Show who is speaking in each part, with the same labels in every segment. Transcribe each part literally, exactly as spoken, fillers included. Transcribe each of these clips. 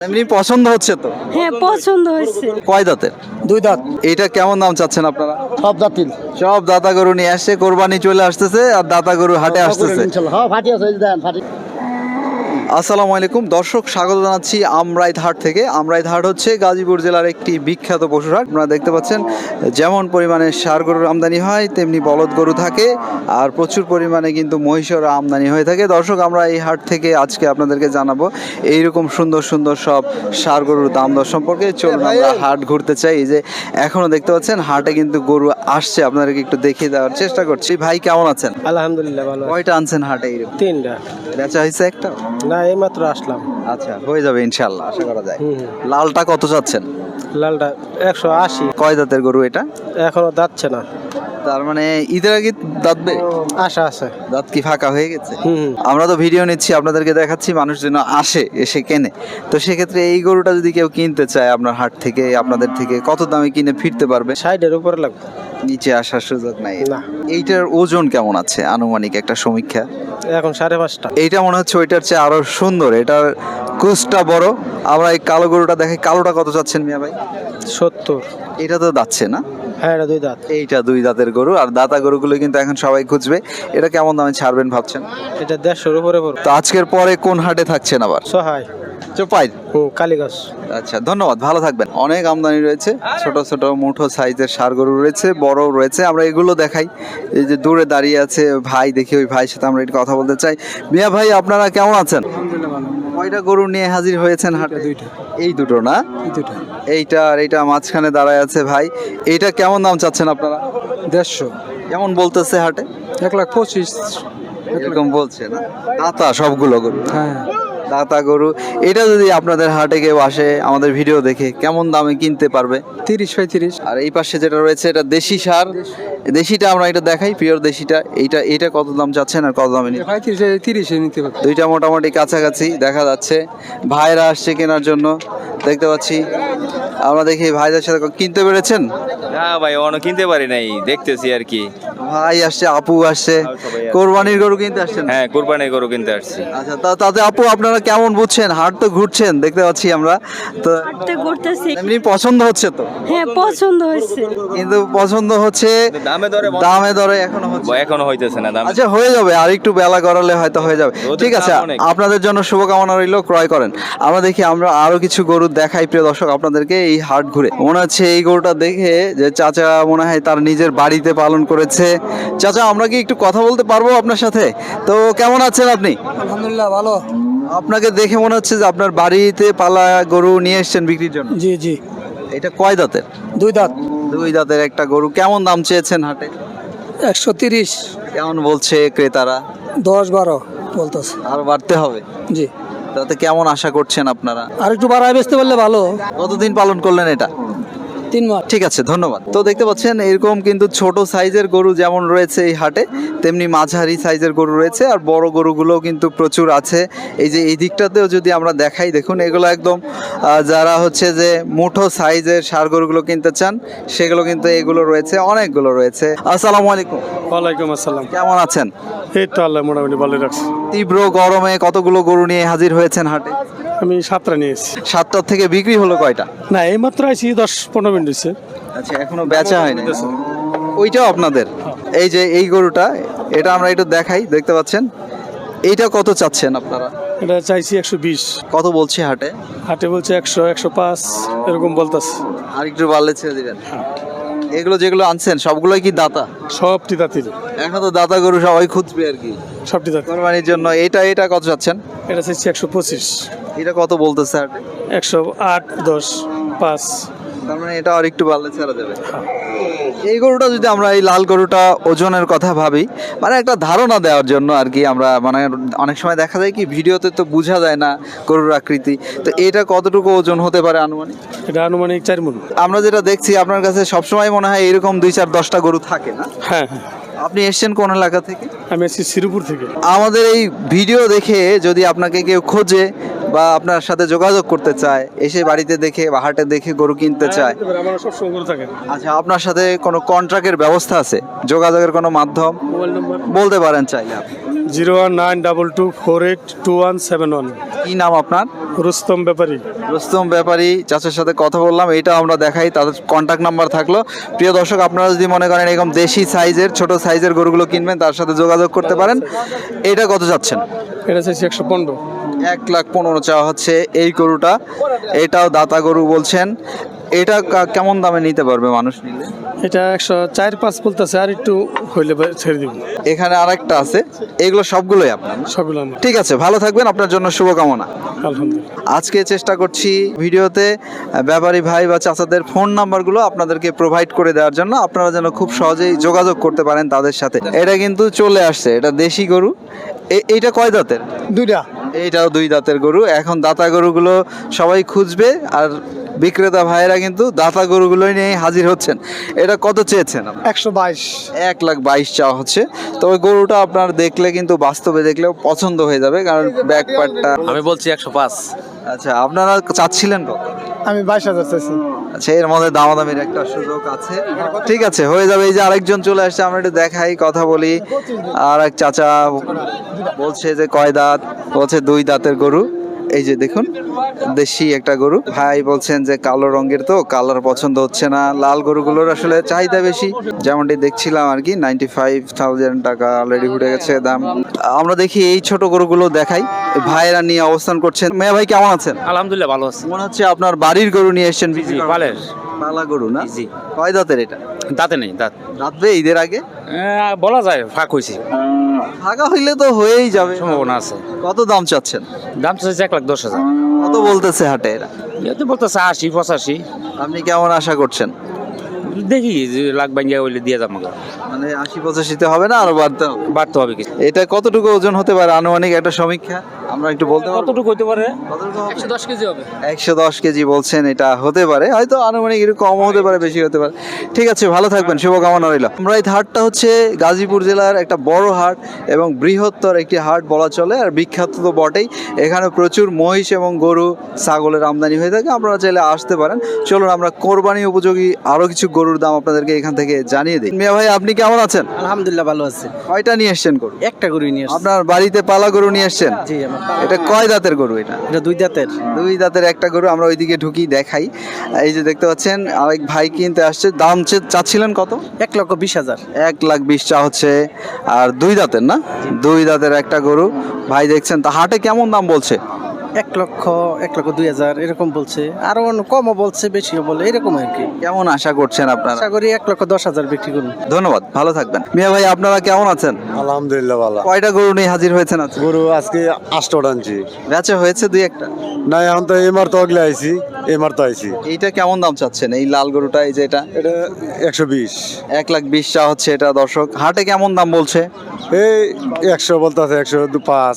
Speaker 1: এমনি পছন্দ হচ্ছে তো?
Speaker 2: হ্যাঁ পছন্দ হয়েছে।
Speaker 1: কয় দাঁতের?
Speaker 3: দুই দাঁত।
Speaker 1: এইটা কেমন দাম চাচ্ছেন আপনারা?
Speaker 3: সব দাঁতিল।
Speaker 1: সব দাতা গরু নিয়ে আসছে, কোরবানি চলে আসতেছে আর দাতা গরু হাটে আসতেছে।
Speaker 3: হ্যাঁ ফাটি আছে, এই যে দেন ফাটি।
Speaker 1: আসসালামু আলাইকুম দর্শক, স্বাগত জানাচ্ছি আমরাইত হাট থেকে। আমরাইত হাট হচ্ছে গাজীপুর জেলার একটি বিখ্যাত পশুর হাট। আপনারা দেখতে পাচ্ছেন যেমন পরিমাণে ষাঁড় গরুর আমদানি হয় তেমনি বলদ গরু থাকে, আর প্রচুর পরিমাণে কিন্তু মহিষের আমদানি হয়ে থাকে। দর্শক, আমরা এই হাট থেকে আজকে আপনাদেরকে জানাবো এইরকম সুন্দর সুন্দর সব ষাঁড় গরুর দাম দর সম্পর্কে। চলুন আমরা হাট ঘুরতে চাই। এই যে এখনো দেখতে পাচ্ছেন হাটে কিন্তু গরু আসছে, আপনাদেরকে একটু দেখিয়ে দেওয়ার চেষ্টা করছি। ভাই কেমন আছেন?
Speaker 3: আলহামদুলিল্লাহ ভালো।
Speaker 1: কয়টা আনছেন হাটে? এইরকম
Speaker 3: তিনটা।
Speaker 1: বেচা হয়েছে একটা?
Speaker 3: না এই মাত্র আসলাম।
Speaker 1: আচ্ছা, হয়ে যাবে ইনশাল্লাহ, আশা করা যায়।
Speaker 3: হুম।
Speaker 1: লালটা কত চাচ্ছেন?
Speaker 3: লালটা একশো আশি।
Speaker 1: কয় দাঁতের গরু এটা?
Speaker 3: এখনো দাঁতছে না।
Speaker 1: তার মানে ঈদের আগে দাঁতবে?
Speaker 3: আশা আছে।
Speaker 1: দাঁত কি ফাঁকা হয়ে গেছে?
Speaker 3: হুম।
Speaker 1: আমরা তো ভিডিও নিচ্ছি, আপনাদেরকে দেখাচ্ছি, মানুষ যেন আসে এসে কেনে। তো সেক্ষেত্রে এই গরুটা যদি কেউ কিনতে চায় আপনার হাট থেকে, আপনাদের থেকে কত দামে কিনে ফিরতে পারবে?
Speaker 3: ষাটের উপরে লাগবে।
Speaker 1: নিচে আসার সুযোগ নাই
Speaker 3: না।
Speaker 1: এইটার ওজন কেমন আছে আনুমানিক একটা সমীক্ষা?
Speaker 3: এখন সাড়ে পাঁচটা।
Speaker 1: এইটা মনে হচ্ছে ওইটার চেয়ে আরো সুন্দর, এটার কুচটা বড়। আমরা এই কালো গরুটা দেখি, কালোটা কত চাচ্ছেন মিয়া ভাই?
Speaker 3: সত্তর।
Speaker 1: এটা তো যাচ্ছে না?
Speaker 3: হ্যাঁ এটা দুই দাঁত।
Speaker 1: এইটা দুই দাঁতের গরু, আর দাতা গরুগুলো কিন্তু এখন সবাই খুঁজবে। এটা কেমন দামে ছাড়বেন ভাবছেন?
Speaker 3: এটা দেড়শোর উপরে পড়বে।
Speaker 1: তো আজকের পরে কোন হাটে থাকছেন আবার?
Speaker 3: সহায়।
Speaker 1: চোপাই।
Speaker 3: হুম কালীগঞ্জ।
Speaker 1: আচ্ছা, ধন্যবাদ, ভালো থাকবেন। অনেক আমদানি রয়েছে, ছোট ছোট মুঠো সাইজের ষাঁড় গরু রয়েছে, বড় রয়েছে। আমরা এগুলো দেখাই। এই যে দূরে দাঁড়িয়ে আছে ভাই, দেখি ওই ভাইয়ের সাথে আমরা একটু কথা বলতে চাই। মিয়া ভাই, আপনারা কেমন আছেন? কয়টা গরু নিয়ে হাজির হয়েছেন হাটে?
Speaker 3: দুইটা।
Speaker 1: এই দুটো না?
Speaker 3: দুইটা।
Speaker 1: এইটা আর এইটা মাঝখানে দাঁড়ায় আছে ভাই। এইটা কেমন দাম চাচ্ছেন আপনারা?
Speaker 3: দেড়শো।
Speaker 1: কেমন বলতেছে হাটে?
Speaker 3: এক লাখ পঁচিশ।
Speaker 1: এরকম বলছে না? দাতা সবগুলো গরু?
Speaker 3: হ্যাঁ।
Speaker 1: দাতা গরু। এটা যদি আপনাদের হাটে কেউ আসে আমাদের ভিডিও দেখে, কেমন দামে কিনতে পারবে?
Speaker 3: তিরিশ পঁয়ত্রিশ।
Speaker 1: আর এই পাশে যেটা রয়েছে এটা দেশি ষাঁড়। দেশিটা আমরা এটা দেখাই, পিওর দেশিটা। এইটা এইটা কত দাম চাচ্ছেন আর কত দামে নিচ্ছেন?
Speaker 3: পঁয়ত্রিশ তিরিশে নিতে পারবে।
Speaker 1: দুইটা মোটামুটি কাছাকাছি দেখা যাচ্ছে। ভাইরা আসছে কেনার জন্য, দেখতে পাচ্ছি। আমরা দেখি ভাইদের সাথে কিনতে পেরেছেন?
Speaker 4: না ভাই অন্য কিনতে পারি নাই, দেখতেছি আর কি।
Speaker 1: ভাই আসছে, আপু আসছে, কোরবানির গরু কিনতে আসছেন?
Speaker 4: হ্যাঁ কোরবানি গরু কিনতে আসছি।
Speaker 1: আচ্ছা, তা তাতে আপু আপনারা কেমন বুঝছেন? হাট তো ঘুরছেন দেখতে পাচ্ছি আমরা, তো
Speaker 2: হাঁটতে ঘুরতেছি।
Speaker 1: এমনি পছন্দ হচ্ছে তো?
Speaker 2: হ্যাঁ পছন্দ হয়েছে।
Speaker 1: কিন্তু পছন্দ হচ্ছে,
Speaker 4: দামে দরে বন্ধ-
Speaker 1: দামে দরে এখনো হচ্ছে।
Speaker 4: এখনো হইতেছে না দাম।
Speaker 1: আচ্ছা, হয়ে যাবে, আর একটু বেলা গড়ালে হয়তো হয়ে যাবে।
Speaker 4: রোদের
Speaker 1: ঠিক আছে,
Speaker 4: তাপ অনেক।
Speaker 1: আপনাদের জন্য শুভকামনা রইল, ক্রয় করেন। আমরা দেখি, আমরা আরো কিছু গরু দেখাই প্রিয় দর্শক আপনাদেরকে এই হাট ঘুরে। মনে হচ্ছে এই গরুটা দেখে যে চাচা মনে হয় তার নিজের বাড়িতে পালন করেছে। চাচা, আমরা কি একটু কথা বলতে পারবো আপনার সাথে? তো কেমন আছেন আপনি?
Speaker 3: আলহামদুলিল্লাহ ভালো।
Speaker 1: আপনাকে দেখে মনে হচ্ছে যে আপনার বাড়িতে পালা গরু নিয়ে এসেছেন বিক্রির জন্য।
Speaker 3: জি জি।
Speaker 1: এটা কয় দাঁতের?
Speaker 3: দুই দাঁত।
Speaker 1: দুই দাঁতের একটা গরু। কেমন দাম চেয়েছেন হাটে?
Speaker 3: একশো তিরিশ।
Speaker 1: কেমন বলছে ক্রেতারা?
Speaker 3: দশ বারো বলতেছে।
Speaker 1: আর বাড়তে হবে?
Speaker 3: জি।
Speaker 1: তাতে কেমন আশা করছেন আপনারা?
Speaker 3: আর একটু বাড়ায় বেচতে পারলে ভালো।
Speaker 1: কতদিন পালন করলেন এটা?
Speaker 3: তিন মাস।
Speaker 1: ঠিক আছে, ধন্যবাদ। তো দেখতে পাচ্ছেন এরকম কিন্তু ছোট সাইজের গরু যেমন রয়েছে এই হাটে, তেমনি মাঝারি সাইজের গরু রয়েছে, আর বড় গরুগুলোও কিন্তু প্রচুর আছে। এই যে এই দিকটাতেও যদি আমরা দেখাই, দেখুন এগুলো একদম আহ, যারা হচ্ছে যে মুঠো সাইজের ষাঁড় গরুগুলো কিনতে চান সেগুলো কিন্তু এগুলো রয়েছে, অনেকগুলো রয়েছে। আসসালামু আলাইকুম।
Speaker 3: ওয়ালাইকুম আসসালাম।
Speaker 1: কেমন আছেন?
Speaker 3: এই তো আল্লাহ মোটামুটি ভালো রাখছি।
Speaker 1: তীব্র গরমে কতগুলো গরু নিয়ে হাজির হয়েছেন হাটে?
Speaker 3: আমি সাতটা নিয়েছি।
Speaker 1: সাতটার থেকে বিক্রি হলো কয়টা?
Speaker 3: না এই মাত্র আইছি, দশ পনেরো মিনিট হচ্ছে।
Speaker 1: আচ্ছা, এখনো বেচা হয়নি? ওইটাও আপনাদের? এই যে এই গরুটা, এটা আমরা একটু দেখাই, দেখতে পাচ্ছেন। এইটা কত চাচ্ছেন আপনারা?
Speaker 3: এটা চাইছি একশো বিশ।
Speaker 1: কত বলছে হাটে?
Speaker 3: হাটে বলছে একশো একশো পাঁচ এরকম বলতেছে।
Speaker 1: আর একটু বাড়লে ছেড়ে দিবেন। এগুলো যেগুলো আনছেন সবগুলোই কি দাতা?
Speaker 3: সবটি দাঁতিল।
Speaker 1: এখন তো দাতা গরু সবাই খুঁজবে আর কি
Speaker 3: সবটি দাঁতিল।
Speaker 1: কোরবানির জন্য। এটা এটা কত চাচ্ছেন?
Speaker 3: এটা চাইছি একশো পঁচিশ।
Speaker 1: এটা কত বলতেছে হাটে?
Speaker 3: একশো আট দশ পাঁচ।
Speaker 1: তার মানে এটা আর একটু বাড়লে ছাড়া যাবে। এই গরুটা যদি আমরা, এই লাল গরুটা ওজনের কথা ভাবি, মানে একটা ধারণা দেওয়ার জন্য আর কি, আমরা মানে অনেক সময় দেখা যায় কি ভিডিওতে তো বোঝা যায় না গরুর আকৃতি, তো এটা কতটুকু ওজন হতে পারে আনুমানিক?
Speaker 3: এটা আনুমানিক চার মণ।
Speaker 1: আমরা যেটা দেখছি আপনার কাছে সবসময় মনে হয় এরকম দুই চার দশটা গরু থাকে না?
Speaker 3: হ্যাঁ হ্যাঁ।
Speaker 1: আপনি এসছেন কোন এলাকা থেকে?
Speaker 3: আমি আছি শ্রীপুর থেকে।
Speaker 1: আমাদের এই ভিডিও দেখে যদি আপনাকে কেউ খোঁজে বা আপনার সাথে যোগাযোগ করতে চায়, এসে বাড়িতে দেখে বা হাটে দেখে গরু কিনতে চায়,
Speaker 3: আমার সব সময় করে থাকে।
Speaker 1: আচ্ছা, আপনার সাথে কোনো কন্ট্রাক্টের ব্যবস্থা আছে? যোগাযোগের কোনো মাধ্যম
Speaker 3: মোবাইল নম্বর
Speaker 1: বলতে পারেন চাইলে আপনি?
Speaker 3: Zero one nine double two four eight two one seven one.
Speaker 1: কি নাম আপনার?
Speaker 3: রুস্তম ব্যাপারী।
Speaker 1: রুস্তম ব্যাপারী চাচার সাথে কথা বললাম, এটা আমরা দেখাই, তাদের কন্ট্যাক্ট নাম্বার থাকলো। প্রিয় দর্শক, আপনারা যদি মনে করেন এরকম দেশি সাইজের ছোট সাইজের গরুগুলো কিনবেন, তার সাথে যোগাযোগ করতে পারেন। এটা কত যাচ্ছেন?
Speaker 3: এটা চাইছি একশো পনেরো।
Speaker 1: এক লাখ পনেরো চাওয়া হচ্ছে এই গরুটা। এটাও দাতা গরু বলছেন। এটা কা- কেমন দামে নিতে পারবে মানুষ নিলে?
Speaker 3: এটা একশো চার পাঁচ বলতেছে, আর একটু হইলে বা- ছেড়ে দিব।
Speaker 1: এখানে আরেকটা আছে, এগুলো সবগুলোই আপনার না?
Speaker 3: সবগুলো আমার।
Speaker 1: ঠিক আছে, ভালো থাকবেন, আপনার জন্য শুভকামনা।
Speaker 3: আলহামদুলিল্লাহ।
Speaker 1: আজকে চেষ্টা করছি ভিডিওতে আহ, ব্যাপারী ভাই বা চাচাদের ফোন নাম্বারগুলো আপনাদেরকে প্রোভাইড করে দেওয়ার জন্য, আপনারা যেন খুব সহজেই যোগাযোগ করতে পারেন তাদের সাথে। এটা কিন্তু চলে আসছে, এটা দেশি গরু। এ- এইটা কয় দাঁতের?
Speaker 3: দুইটা।
Speaker 1: এইটাও দুই দাঁতের গরু। এখন দাতা গরুগুলো সবাই খুঁজবে, আর বিক্রেতা ভাইয়েরা কিন্তু দাতা গরুগুলোই নিয়ে হাজির হচ্ছেন। এটা কত চেয়েছেন আপনি?
Speaker 3: একশো বাইশ।
Speaker 1: এক লাখ বাইশ চাওয়া হচ্ছে। তবে গরুটা আপনার দেখলে কিন্তু বাস্তবে দেখলেও পছন্দ হয়ে যাবে, কারণ ব্যাক পার্টটা।
Speaker 4: আমি বলছি একশো পাঁচ।
Speaker 1: আচ্ছা, আপনারা চাচ্ছিলেন কত?
Speaker 3: আমি বাইশ হাজার চাইছি।
Speaker 1: আচ্ছা, এর মধ্যে দামাদামির একটা সুযোগ আছে। ঠিক আছে, হয়ে যাবে। এই যে আরেকজন চলে আসছে, আমরা একটু দেখাই, কথা বলি। আর এক চাচা বলছে যে কয় দাঁত, বলছে দুই দাঁতের গরু। এই যে দেখুন, দেশি একটা গরু। ভাই বলছেন যে কালো রঙের তো কালার পছন্দ হচ্ছে না, লাল গরুগুলোর আসলে চাহিদা বেশি। যেমনটি দেখছিলাম আর কি, নাইনটি ফাইভ থাউজেন্ড টাকা অলরেডি উঠে গেছে দাম। আমরা দেখি এই ছোট গরুগুলো দেখাই। ভাইয়েরা নিয়ে অবস্থান করছেন। মেয়া ভাই কেমন আছেন?
Speaker 5: আলহামদুলিল্লাহ ভালো আছি।
Speaker 1: মনে হচ্ছে আপনার বাড়ির গরু নিয়ে এসেছেন।
Speaker 5: জি পালের
Speaker 1: পালা গরু না?
Speaker 5: জি।
Speaker 1: কয় দাঁতের এটা?
Speaker 5: দাঁতে নেই দাঁত।
Speaker 1: রাতবে ঈদের আগে?
Speaker 5: আহ, বলা যায় ফাঁক হয়েছে,
Speaker 1: ফাঁকা হইলে তো হয়েই যাবে।
Speaker 5: সম্ভাবনা আছে।
Speaker 1: কত দাম চাচ্ছেন?
Speaker 5: দাম তো হচ্ছে এক লাখ দশ হাজার।
Speaker 1: কত বলতেছে হাটে এরা?
Speaker 5: এতে বলতেছে আশি পঁচাশি।
Speaker 1: আপনি কেমন আশা করছেন?
Speaker 5: দেখি যে লাখ ভাঙ্গিয়া হইলে দিয়ে যাবো।
Speaker 1: মানে আশি পঁচাশিতে হবে না, আরো বাড়তে হবে?
Speaker 5: বাড়তে হবে কিছু।
Speaker 1: এটা কতটুকু ওজন হতে পারে আনুমানিক একটা সমীক্ষা আমরা একটু বলতে পারবো?
Speaker 5: কতটুকু হইতে পারে?
Speaker 1: একশো দশ কেজি হবে। একশো দশ কেজি বলছেন, এটা হতে পারে, হয়তো আনুমানিক একটু কম হতে পারে, বেশি হতে পারে। ঠিক আছে, ভালো থাকবেন, শুভকামনা রইল। আমরা এই হাটটা হচ্ছে গাজীপুর জেলার একটা বড় হাট এবং বৃহত্তর একটি হাট বলা চলে, আর বিখ্যাত তো বটেই। এখানে প্রচুর মহিষ এবং গরু ছাগলের আমদানি হয়ে থাকে। আপনারা চাইলে আসতে পারেন। চলুন আমরা কোরবানি উপযোগী আরো কিছু গরুর দাম আপনাদেরকে এখান থেকে জানিয়ে দিই। মিয়া ভাই, আপনি কেমন আছেন?
Speaker 6: আলহামদুলিল্লাহ ভালো আছে।
Speaker 1: কয়টা নিয়ে এসছেন গরু?
Speaker 6: একটা গরু নিয়ে আসছি।
Speaker 1: আপনার বাড়িতে পালা গরু নিয়ে এসছেন?
Speaker 6: জি, আমার পালা-
Speaker 1: এটা কয় দাঁতের গরু এটা?
Speaker 6: এটা দুই দাঁতের।
Speaker 1: দুই দাঁতের একটা গরু। আমরা ওইদিকে ঢুকি, দেখাই। এই যে দেখতে পাচ্ছেন আরেক ভাই কিনতে আসছে। দাম চে- চাচ্ছিলেন কত?
Speaker 6: এক লক্ষ বিশ হাজার।
Speaker 1: এক লাখ বিশ চা হচ্ছে। আর দুই দাঁতের না? দুই দাঁতের একটা গরু ভাই দেখছেন। তা হাটে কেমন দাম বলছে?
Speaker 6: এক লক্ষ এক লক্ষ দুই হাজার এরকম বলছে, আরো অন্য কমও বলছে, বেশিও বলে, এরকম আর কি।
Speaker 1: কেমন আশা করছেন আপনারা?
Speaker 6: আশা করি এক লক্ষ দশ হাজার বিক্রি করুন।
Speaker 1: ধন্যবাদ, ভালো থাকবেন। মিয়া ভাই, আপনারা কেমন আছেন?
Speaker 7: আলহামদুলিল্লাহ ভালো।
Speaker 1: কয়টা গরু নিয়ে হাজির হয়েছেন আজকে?
Speaker 7: গরু আজকে আটটা আনছি।
Speaker 1: বেচা হয়েছে দুই একটা?
Speaker 7: না, এখন তো এমার তো আগলে আইছি, এমার তো আইছি।
Speaker 1: এইটা কেমন দাম চাচ্ছেন, এই লাল গরুটা, এই যে এটা?
Speaker 7: এটা একশো বিশ।
Speaker 1: এক লাখ বিশ চা হচ্ছে এটা। দর্শক, হাটে কেমন দাম বলছে?
Speaker 7: এই একশো বলতে আছে, একশো দু পাঁচ।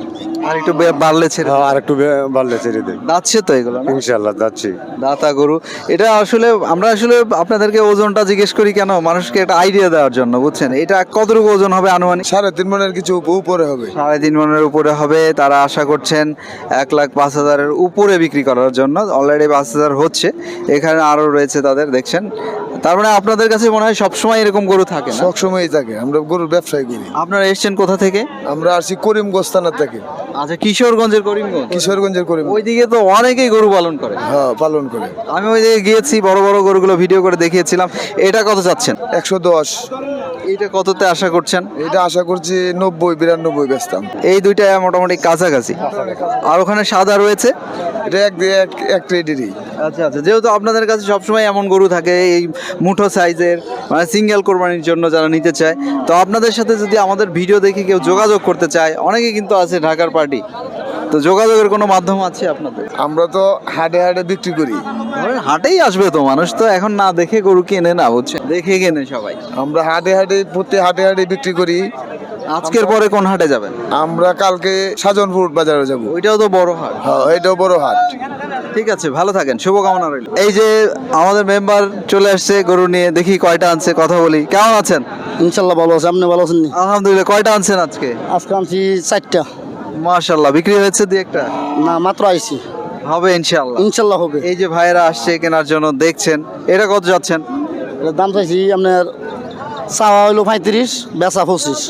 Speaker 1: আর একটু বে- বাড়লে ছেড়ে
Speaker 7: হ্যাঁ, আর একটু বে- বাড়লে ছেড়ে দেয়।
Speaker 1: যাচ্ছে তো এগুলো না?
Speaker 7: ইনশাল্লাহ যাচ্ছি।
Speaker 1: দাতা গরু। এটা আসলে আমরা আসলে আপনাদেরকে ওজনটা জিজ্ঞেস করি কেন, মানুষকে একটা আইডিয়া দেওয়ার জন্য, বুঝছেন? এটা কতটুকু ওজন হবে আনুমানিক?
Speaker 8: সাড়ে তিন মনের কিছু উপরে হবে।
Speaker 1: সাড়ে তিন মনের উপরে হবে। তারা আশা করছেন এক লাখ পাঁচ হাজারের উপরে বিক্রি করার জন্য। অলরেডি পাঁচ হাজার হচ্ছে, এখানে আরো রয়েছে তাদের, দেখছেন। তার মানে আপনাদের কাছে মনে হয় সবসময় এরকম গরু থাকে না?
Speaker 8: সবসময়ই থাকে। আমরা গরুর ব্যবসায় করি।
Speaker 1: আপনারা এসছেন কোথা থেকে?
Speaker 8: আমরা আসছি করিমগঞ্জ থানা থেকে।
Speaker 1: আচ্ছা, কিশোরগঞ্জের করিমগঞ্জ।
Speaker 8: কিশোরগঞ্জের করিম।
Speaker 1: ওইদিকে তো অনেকেই গরু পালন করে।
Speaker 8: হ্যাঁ, পালন করে।
Speaker 1: আমি ওই দিকে গিয়েছি, বড় বড় গরুগুলো ভিডিও করে দেখিয়েছিলাম। এটা কত চাচ্ছেন?
Speaker 8: একশো দশ।
Speaker 1: এইটা কততে আশা করছেন?
Speaker 8: এটা আশা করছি নব্বই বিরানব্বই বেচতাম।
Speaker 1: এই দুইটা মোটামুটি কাছাকাছি। আর ওখানে সাদা রয়েছে।
Speaker 8: এটা এক দিয়ে এক এক ট্রেডেরই।
Speaker 1: আচ্ছা আচ্ছা, যেহেতু আপনাদের কাছে সবসময় এমন গরু থাকে এই মুঠো সাইজের, মানে সিঙ্গেল কোরবানির জন্য যারা নিতে চায়, তো আপনাদের সাথে যদি আমাদের ভিডিও দেখে কেউ যোগাযোগ করতে চায়, অনেকে কিন্তু আছে ঢাকার পার্টি, তো যোগাযোগের কোনো মাধ্যম আছে আপনাদের?
Speaker 8: আমরা তো হাটে হাটে বিক্রি করি।
Speaker 1: ধরেন হাটেই আসবে তো মানুষ, তো এখন না দেখে গরু কেনে না, বুঝছেন? দেখে কেনে সবাই।
Speaker 8: আমরা হাটে হাটে প্রতি হাটে হাটে বিক্রি করি।
Speaker 1: আজকের পরে কোন হাটে যাবেন?
Speaker 8: আমরা কালকে সাজনপুর বাজারে যাব।
Speaker 1: ওইটাও তো বড় হাট।
Speaker 8: হ্যাঁ, এটাও বড় হাট।
Speaker 1: ঠিক আছে, ভালো থাকেন, শুভকামনা রইল। এই যে আমাদের মেম্বার চলে আসছে গরু নিয়ে, দেখি কয়টা আনছে, কথা বলি। কেমন আছেন?
Speaker 6: ইনশাল্লাহ ভালো আছে। আপনি ভালো আছেন?
Speaker 1: আলহামদুলিল্লাহ। কয়টা আনছেন আজকে?
Speaker 6: আজকে আনছি চারটা।
Speaker 1: মাশাআল্লাহ, বিক্রি হয়েছে দুই একটা?
Speaker 6: না, মাত্র আইছি।
Speaker 1: হবে ইনশাআল্লাহ।
Speaker 6: ইনশাল্লাহ হবে।
Speaker 1: এই যে ভাইয়েরা আসছে কেনার জন্য, দেখছেন। এটা কত যাচ্ছেন?
Speaker 6: দাম চাইছি আপনার চাওয়া হইলো পঁয়ত্রিশ, বেচা পঁচিশ।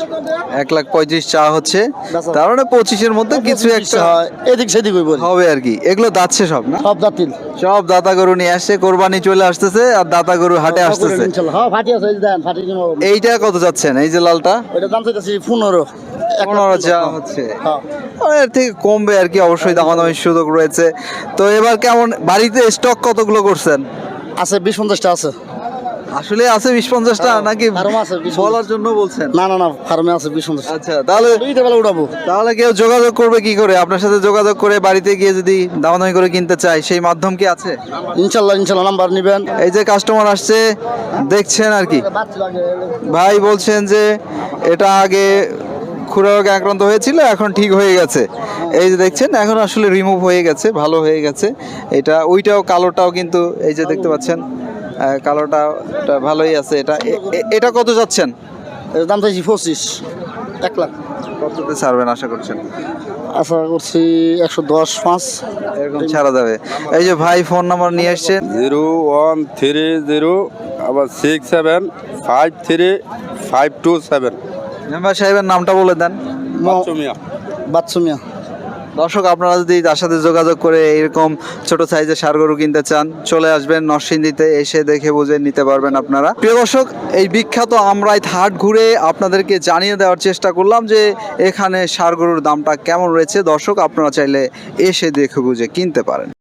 Speaker 1: এক লাখ পঁয়ত্রিশ চা হচ্ছে, তার মানে পঁচিশের মধ্যে কিছু একটা
Speaker 6: এদিক সেদিক হইব
Speaker 1: হবে আর কি। এগুলো দাচ্ছে সব না,
Speaker 6: সব দাঁতিল
Speaker 1: সব দাতা গরু নিয়ে আসছে, কোরবানি চলে আসতেছে আর দাতা গরু হাটে আসতেছে।
Speaker 6: হ্যাঁ ফাটি আছে দেন ফাটি কিনো
Speaker 1: এইটা কত যাচ্ছেন? এই যে লালটা
Speaker 6: ওইটা দাম চাইতেছি পনেরো
Speaker 1: পনেরো চা হচ্ছে,
Speaker 6: হ্যাঁ।
Speaker 1: এর থেকে কমবে আর কি, অবশ্যই দামাদামির সুযোগ রয়েছে। তো এবার কেমন বাড়িতে স্টক কতগুলো করছেন?
Speaker 6: আছে বিশ পঞ্চাশটা আছে।
Speaker 1: আসলে আছে বিশ পঞ্চাশটা নাকি
Speaker 6: ফার্মে আছে বিশ পঞ্চাশ।
Speaker 1: বলার জন্য বলছেন?
Speaker 6: না না না ফার্মে আছে বিশ পঞ্চাশ।
Speaker 1: আচ্ছা, তাহলে
Speaker 6: দুইটা বেলা উঠাবো।
Speaker 1: তাহলে কেউ যোগাযোগ করবে কি করে? আপনার সাথে যোগাযোগ করে বাড়িতে গিয়ে যদি দামাদামি করে কিনতে চায়, সেই মাধ্যম কি আছে?
Speaker 6: ইনশাল্লাহ ইনশাল্লাহ নাম্বার নিবেন।
Speaker 1: এই যে কাস্টমার আসছে দেখছেন আর কি, ভাই বলছেন যে এটা আগে খুরা রোগে আক্রান্ত হয়েছিল, এখন ঠিক হয়ে গেছে। এই যে দেখছেন এখন আসলে রিমুভ হয়ে গেছে, ভালো হয়ে গেছে। এটা ওইটাও কালোটাও কিন্তু এই যে দেখতে পাচ্ছেন, আহ, কালোটা এটা ভালোই আছে। এটা এ- এ- এটা কত যাচ্ছেন?
Speaker 6: এর দাম চাইছি পঁচিশ, এক লাখ।
Speaker 1: কততে ছাড়বেন আশা করছেন?
Speaker 6: আশা করছি একশো দশ পাঁচ।
Speaker 1: এরকম ছাড়া যাবে। এই যে ভাই ফোন নাম্বার নিয়ে এসছেন,
Speaker 7: জিরো ওয়ান থ্রি জিরো আবার six seven five three five two seven.
Speaker 1: Member সাহেবের নামটা বলে দেন।
Speaker 6: বাচ্চুমিয়া।
Speaker 1: দর্শক, আপনারা যদি তার সাথে যোগাযোগ করে এরকম ছোট সাইজের ষাঁড় গরু কিনতে চান, চলে আসবেন নরসিংদীতে, এসে দেখে বুঝে নিতে পারবেন আপনারা। প্রিয় দর্শক, এই বিখ্যাত আমরাই হাট ঘুরে আপনাদেরকে জানিয়ে দেওয়ার চেষ্টা করলাম যে এখানে ষাঁড় গরুর দামটা কেমন রয়েছে। দর্শক, আপনারা চাইলে এসে দেখে বুঝে কিনতে পারেন।